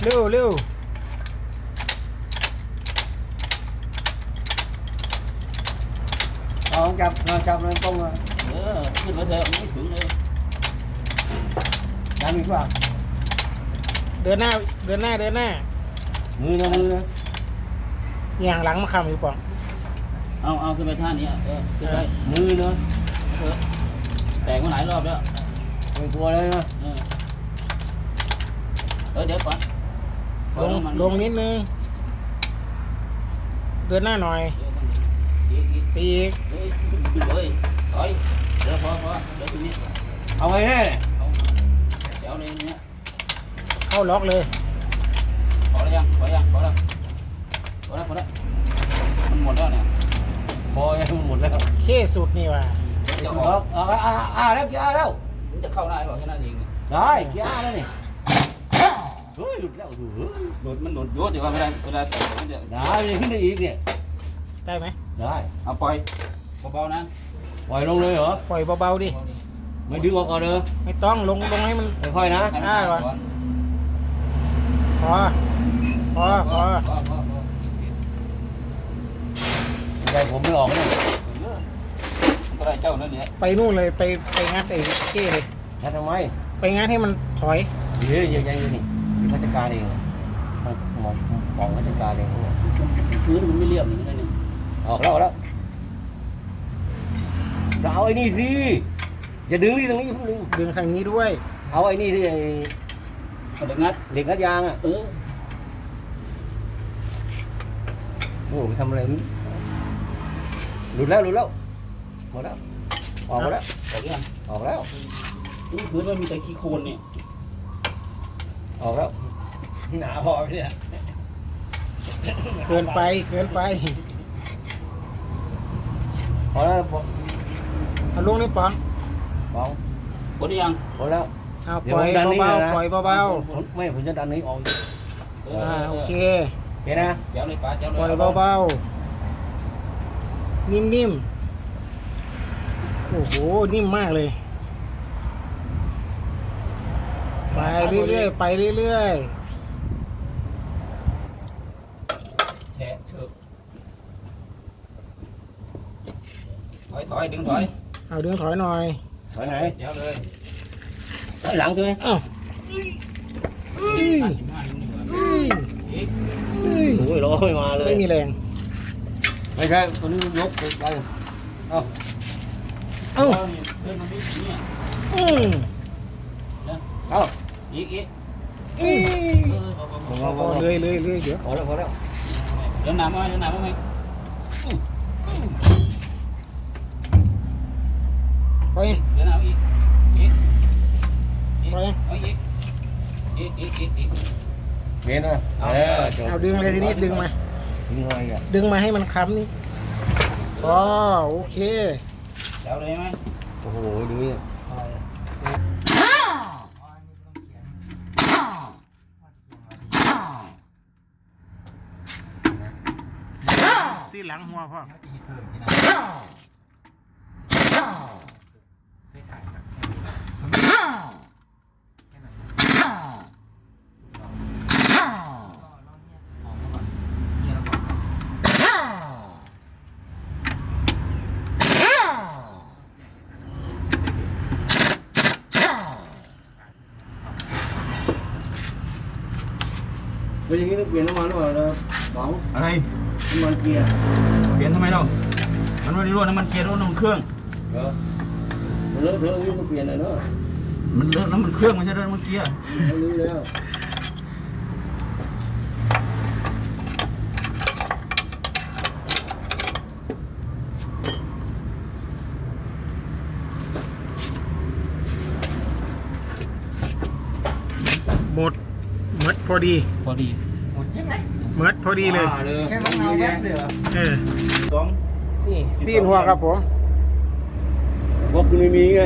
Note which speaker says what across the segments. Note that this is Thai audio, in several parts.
Speaker 1: เร็วเร็ว
Speaker 2: จับเลยตรงเลย
Speaker 3: ขึ้นมาเถอะไม่ถึงเลย
Speaker 2: ดันอีกว่า
Speaker 1: เดินหน้า
Speaker 2: มือนะ
Speaker 1: อย่างหลังมาคำอยู่ป่อง
Speaker 3: เอาขึ้นไปท่านี้ขึ้นไป
Speaker 2: มือเนาะ
Speaker 3: แตกมาหลายรอบแล้ว
Speaker 2: ไม่กลัวเลยนะ
Speaker 3: เดี๋ยวก่อน
Speaker 1: ลงนิดนึงเดินหน้าหน่อยปีก
Speaker 3: เลยถอยเดี๋ยวพอเดี๋ยวทีนี้
Speaker 2: เอาไงแน่เนี่ย
Speaker 3: เดี๋ยวในนี้
Speaker 1: เข้าล็อกเลย
Speaker 3: พอแล้วมันหมดแล้วเนี่ย
Speaker 2: พอยังหมดแล้ว
Speaker 1: เคสุดนี่ว่ะ
Speaker 3: จะ
Speaker 2: ถู
Speaker 3: อก อก
Speaker 2: แล้วเกียร์แล้ว
Speaker 3: มันจะเข้าได้หรอแค่นั้นเอง
Speaker 2: ได้เกียร์แล้วนี่เฮ้ยหลุดแล้วดูเฮ้ย
Speaker 3: มันหลุดเดี๋ยวเวลาใส่มันจะ
Speaker 2: ได้ยังขึ้นได้อีกเนี่ย
Speaker 1: ได้ไหม
Speaker 2: ได้
Speaker 3: เอาปล่อยเบาๆนะ
Speaker 2: ปล่อยลงเลยเหรอ
Speaker 1: ปล่อยเบาๆดิ
Speaker 2: ไม่ดึงออกก่อนเด้อ
Speaker 1: ไม่ต้องลงให้มัน
Speaker 2: ค่อยๆนะ
Speaker 1: พอ
Speaker 2: ใจผมไม่ออกเลย
Speaker 3: ก็ได้เจ้านั่นแหละ
Speaker 1: ไปนู่นเลยไปงัดไอ้เก้เลย
Speaker 2: แล้วทำไม
Speaker 1: ไปงัดให้มันถอย
Speaker 2: เฮ้ยยังอยู่นี่ราชการเองมองราชการเอง
Speaker 3: พื้นมันไม่เรียบอย่างนี้นี่
Speaker 2: ออกแล้วเราเอาไอ้นี่สิอย่าดึงที่ตรงนี้พึ่งดึง
Speaker 1: ดึงทางนี้ด้วย
Speaker 2: เอาไอ้นี่ที่ไอ้
Speaker 3: เดี๋ยวงัด
Speaker 2: เหล็กงัดยางอ่ะโอ้ทำอะไรหลุดแล้วหมดแล้วออกมาแล้ว
Speaker 3: ออกยัง
Speaker 2: ออกแล้ว
Speaker 3: พื้นมันมีแต่ขี้โคลนเนี่ย
Speaker 2: ออกแล้วหนาพอไหมเนี่ย
Speaker 1: เกินไป
Speaker 2: พอแล้ว
Speaker 1: เอาลงนี่ป๋อง
Speaker 2: บอง
Speaker 3: หมดยัง
Speaker 2: พอแล้ว
Speaker 1: เอาปล่อยเบาๆปล่อยเบา
Speaker 2: ไม่ผมจะดันนี้ออก
Speaker 1: โอเค
Speaker 2: เห็นนะ
Speaker 3: เจ้าเลยป้าเจ้าเลย
Speaker 1: ปล่อยเบาๆนิ่มๆโอ้โหนิ่มมากเลยไปเรื่อย
Speaker 3: แฉะเชือกถอยดึงถอย
Speaker 1: เอาดึงถอยหน่อย
Speaker 2: ถอยไหน
Speaker 3: เจ้าเลย
Speaker 2: ถอยหลังใช่ไหม
Speaker 1: อ้าว
Speaker 3: อีก
Speaker 2: โอ้ยรอไม่มาเลย
Speaker 1: ไม่มีแรง
Speaker 2: ไม่ใช่ตัวนี้ยกไปเอา
Speaker 1: เอ้า
Speaker 3: เพื่อนมันไม่เนี่ย
Speaker 2: เอา
Speaker 3: อีก
Speaker 1: พอเลยเดี๋ยว
Speaker 2: พอแล้ว
Speaker 3: เดี๋ยวหนามมาไหม
Speaker 1: ปล่อย
Speaker 3: เดี๋ยวหนามอีก
Speaker 1: ปล่อย
Speaker 3: เอาอีก
Speaker 2: เห็นนะจบ
Speaker 1: เอาดึงเลยทีนี้ดึงมา
Speaker 2: ดึงอะไรอ่ะ
Speaker 1: ดึงมาให้มันค้ำนี่อ๋อโอเค
Speaker 3: เจ้าเลยไหม
Speaker 2: โอ้โหดูนี่
Speaker 1: ซี่หลังหัวพ่อ
Speaker 2: เป็นอย่างนี้ต้องเปลี่ยนน้ำมันหรือเปล่านะบอง
Speaker 3: อะไร
Speaker 2: น้ำมันเกียร์
Speaker 3: เปลี่ยนทำไมเรามันไม่ได้รั่วน้ำมันเกียร์รั่วน้ำมันเครื่อง
Speaker 2: มันเลอะเทอะอย่างนี้ต้องเปลี่ยนเลยเนาะ
Speaker 3: มันเลอะน้ำมันเครื่องไม่ใช่น้ำมันเกียร์
Speaker 2: เขารู้แล้ว
Speaker 1: หมดพอดี
Speaker 3: พอดี
Speaker 1: หมดพอดีเลย
Speaker 2: แค่ต้องเอาแว่นเลยเหรอ
Speaker 3: สอง
Speaker 1: นี่ซีนหัวครับผม
Speaker 2: พวกคุณไม่มีไง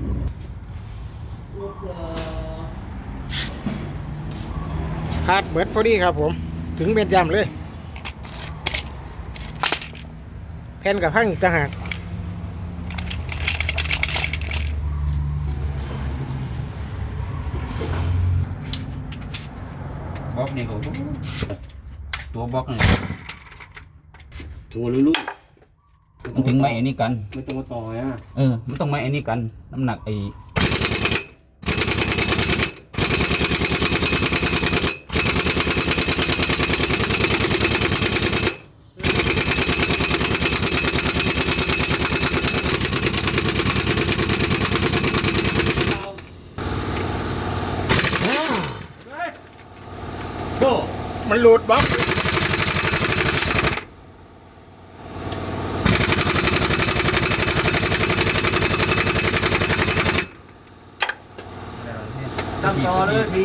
Speaker 1: พาดเบิดพอดีครับผม ถึงเบ็ดยำเลยแผ่นกับพังอีกต่างหาก
Speaker 3: บล็อกนี่ก็ตัวบล็อกนี่
Speaker 2: ตัวลุ้น
Speaker 3: มันถึงไม่ไอ้นี่กัน
Speaker 2: ไม่ต้องมาต่ออ่ะ
Speaker 3: มันต้องไม่ไอ้นี่กันน้ำหนักไอ้
Speaker 1: มันหลุดบล็อก
Speaker 2: ตั้งต่อเลย